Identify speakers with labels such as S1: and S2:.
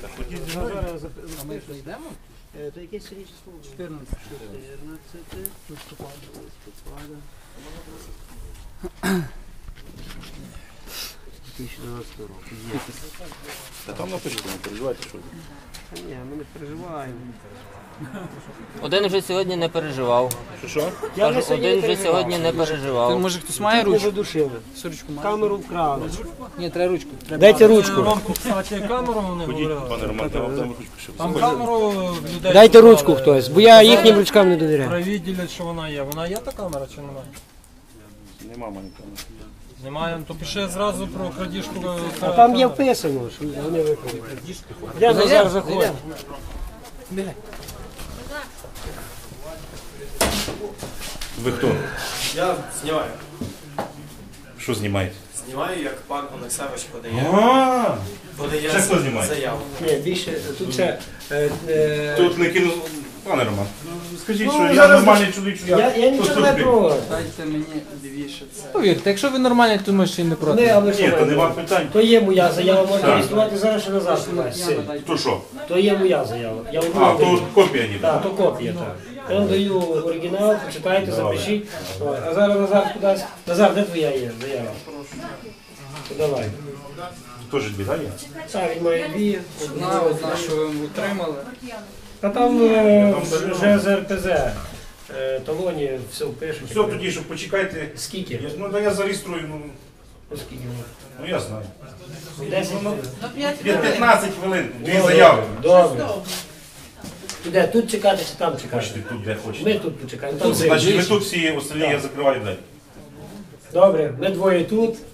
S1: А ми що йдемо?
S2: То якесь сьогодні число?
S1: 14.
S2: 14 листопада. 2012 року. Є.
S3: Та там напишіть, не переживайте, що.
S2: Ні, ми не переживаємо.
S4: Один вже сьогодні не переживав.
S3: Що?
S2: Я
S4: Кажу, один вже сьогодні не переживав.
S1: Може хтось має
S2: Ми
S1: ручку?
S2: задушили.
S1: Ручку має?
S2: Камеру вкрали.
S1: Ні, треба ручку.
S2: Дайте ручку.
S5: Ромку, кстати, камеру вони говорили.
S3: Пане Роман, я вам дам ручку ще.
S5: Там камеру людей...
S2: Дайте ручку хтось, бо я їхнім ручкам не довіряю.
S5: Провідділять, що вона є. Вона є та камера чи немає?
S3: Нема мене камери.
S5: Немає, то пише зразу про крадіжку.
S2: А там є вписано, що вони викрали. Я Назар заходь.
S3: Ви хто?
S6: Я знімаю.
S3: Що знімаєте?
S6: Знімаю, як пан Олександрович подає
S3: Ще хто знімає?
S6: заяву.
S2: Ні, більше, тут ще...
S3: Тут не кину... Пане Роман, скажіть,
S2: Ну,
S3: що я
S2: зараз-
S3: нормальний чоловік, що
S2: Я нічого не проти.
S1: Дайте мені лівіше це. Повірте, якщо ви нормальні, то ми ще й не
S2: Не,
S1: проти.
S2: але
S3: Ні, то нема питань.
S2: То є моя заява, можна
S3: Так.
S2: реєструвати зараз ще назад.
S3: То що?
S2: То є моя заява. Я одну
S3: А,
S2: даю.
S3: то копія ніби.
S2: Так, то копія, так. Я вам даю оригінал, почитайте, запишіть. Ой, а зараз Назар кудись. Назар, де твоя є заява? То давай.
S3: Теж дві, так? є?
S2: Так, він має дві.
S1: Одна, що ви утримали.
S2: Та там вже з РПЗ. Талоні все пишуть.
S3: Все, тоді, що почекайте.
S2: Скільки?
S3: Ну, да я зареєструю,
S2: Скільки?
S3: ну я знаю.
S2: 10 хвилин.
S3: 15 хвилин, дві заяви.
S2: Добре. Де, тут чекати чи там чекати?
S3: Хочете тут, де хочете.
S2: Ми тут почекаємо. Там
S3: Значить, ви
S2: зимно.
S3: тут всі, остальні я закриваю далі.
S2: Добре, ми двоє тут.